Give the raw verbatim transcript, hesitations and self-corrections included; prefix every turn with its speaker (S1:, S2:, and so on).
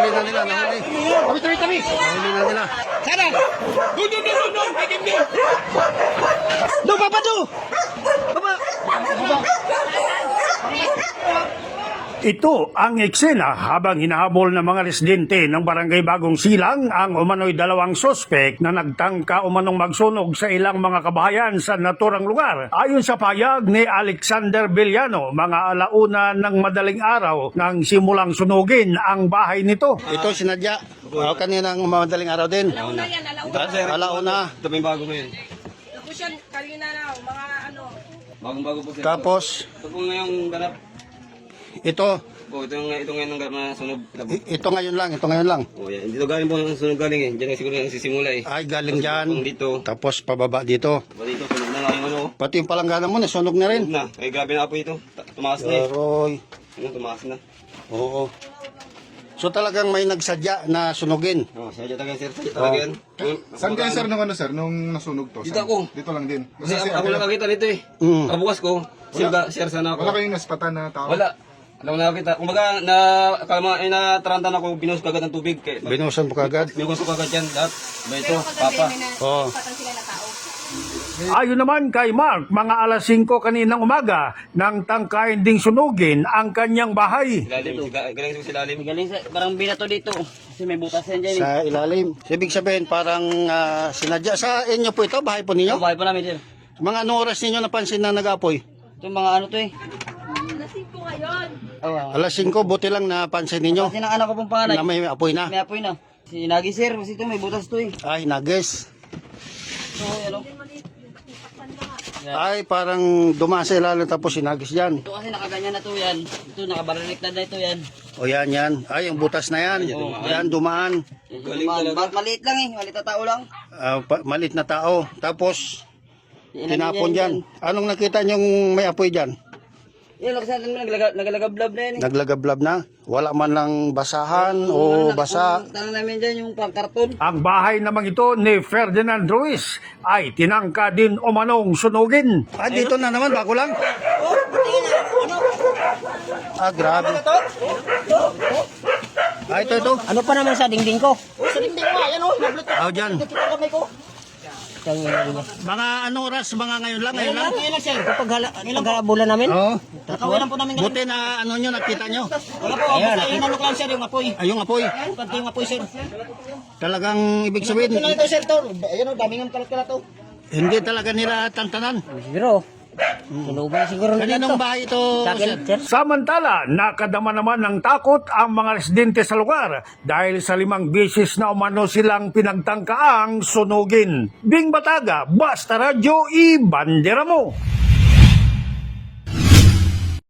S1: Nahuli na nila, nahuli.
S2: Kami, kami, kami.
S1: Nahuli na nila.
S2: Sana! Doon, doon, doon, doon! Pwede, doon! Doon, papa, doon! Papa! Papa!
S3: Ito ang eksena habang hinahabol ng mga residente ng barangay Bagong Silang ang umano'y dalawang sospek na nagtangka umanong magsunog sa ilang mga kabahayan sa naturang lugar. Ayon sa payag ni Alexander Villano, mga alauna ng madaling araw nang simulang sunugin ang bahay nito.
S1: Ito sinadya. Oh, kaninang madaling araw din.
S4: Alauna yan, alauna.
S1: Alauna.
S5: Ito may bago ko yun.
S4: Tapos yan, kanina na, mga ano.
S5: Bagong-bago po sir.
S1: Tapos,
S5: Ito po ngayong ganap.
S1: ito.
S5: Po, ito yung, ito ngayon ang ganap na sunog.
S1: I- Ito ngayon lang, ito ngayon lang.
S5: Oh, yan. Dito galing po ang sunog galing eh. Diyan siguro yung sisimula eh.
S1: Ay, galing dyan.
S5: Tapos dito.
S1: Tapos pababa dito.
S5: Ba dito, sunog na lang yung ano.
S1: Pati yung palanggana mo, nasunog na rin.
S5: Sunog na. Ay, grabe na po ito. Ta- Tumakas na eh.
S1: Aroy.
S5: Ano, tumakas na.
S1: Oo. So talagang may nagsadya na sunugin.
S5: Oh, siya dyan talaga sir. Siya talaga yan. Oh,
S6: Saan kayo sir nung ano sir, nung nasunog to?
S5: Dito
S6: Saan?
S5: ako.
S6: Dito lang din.
S5: Kasi
S6: Basta
S5: ako,
S6: si
S5: ako
S6: Abel-
S5: nakakita nito eh.
S1: Mm.
S5: Kabukas ko. Sir,
S6: Wala.
S5: sir sana ako.
S6: Wala kayong naspatan na tao?
S5: Wala. Alam mo nakakita. Kumbaga, na, kalma, eh, natarantan ako, binuhos ko agad ng tubig. Kaya,
S1: Binusan mo kagad.
S5: binuhos ko agad yan. Lahat. Ba ito, papa.
S1: Oo.
S4: sila na tao.
S3: Ayon naman kay Mark, mga alas singko kaninang umaga nang tangkain ding sunugin ang kanyang bahay.
S5: Silalim, siga- galing sa silalim.
S2: Galing sa, parang binato dito. Kasi may butas yan dyan eh.
S1: Sa ilalim. Ibig sabihin parang ah, sinadya. Sa inyo po ito, bahay po
S2: Ito,
S1: ninyo?
S2: bahay pa namin sir.
S1: Mga anong oras ninyo napansin na nag-apoy?
S2: Ito mga ano to eh.
S4: Nasin ko ngayon.
S2: Oh, wow.
S1: Alas singko, buti lang napansin ninyo
S2: Kasi ng anak ko pong panganay.
S1: na may apoy na.
S2: May apoy na. Si Nagi sir, kasi ito may butas to eh.
S1: Ay, nagis.
S2: So, ano.
S1: Ay, parang dumasa ilalim tapos sinagis dyan.
S2: Ito kasi nakaganyan na to yan. Ito nakabaliktad na ito yan.
S1: O yan, yan. Ay, yung butas na yan. Yan, dumaan.
S5: Galing
S2: Mal-
S5: talaga.
S2: mal- maliit lang eh. Maliit na tao lang.
S1: Ah, pa- malit na tao. Tapos,
S2: Inamin
S1: tinapon
S2: niya
S1: dyan. Anong nakita niyong may apoy dyan?
S2: Yan, kasi natin naglaga- nagalagablab na yan eh.
S1: Naglagablab na? Wala man lang basahan o basa?
S2: Tanong namin dyan yung pang-karton.
S3: Ang bahay naman ito ni Ferdinand Ruiz ay tinangka din umanong sunugin.
S1: Ah, dito na naman, bago lang. Ah, grabe. Ah, ito, ito.
S2: Ano pa naman sa dingding ko?
S1: Ah, dyan. Mga anong oras, mga ngayon lang, ngayon lang.
S2: Ngayon lang sir. Paghala, paghalabulan namin.
S1: Oo.
S2: Nakawilan po namin.
S1: Buti na ano nyo, nakita nyo.
S2: Wala po. Ayan. Basta inanok lang sir yung apoy.
S1: Ay, yung apoy.
S2: Pati yung apoy sir.
S1: Talagang ibig sabihin,
S2: Ito na ito sir to. Ayan o, daming ang kalat-kalat to.
S1: hindi talaga nila tantanan.
S2: Siguro. Sinuban siguro nila
S1: Kaninong
S2: to.
S1: bahay ito,
S2: Sa akin,
S1: sir?
S2: sir.
S3: Samantala, nakadama naman ng takot ang mga residente sa lugar dahil sa limang beses na umano silang pinagtangkaang sunugin. Bing Bataga, Basta Radyo, i-bandera mo!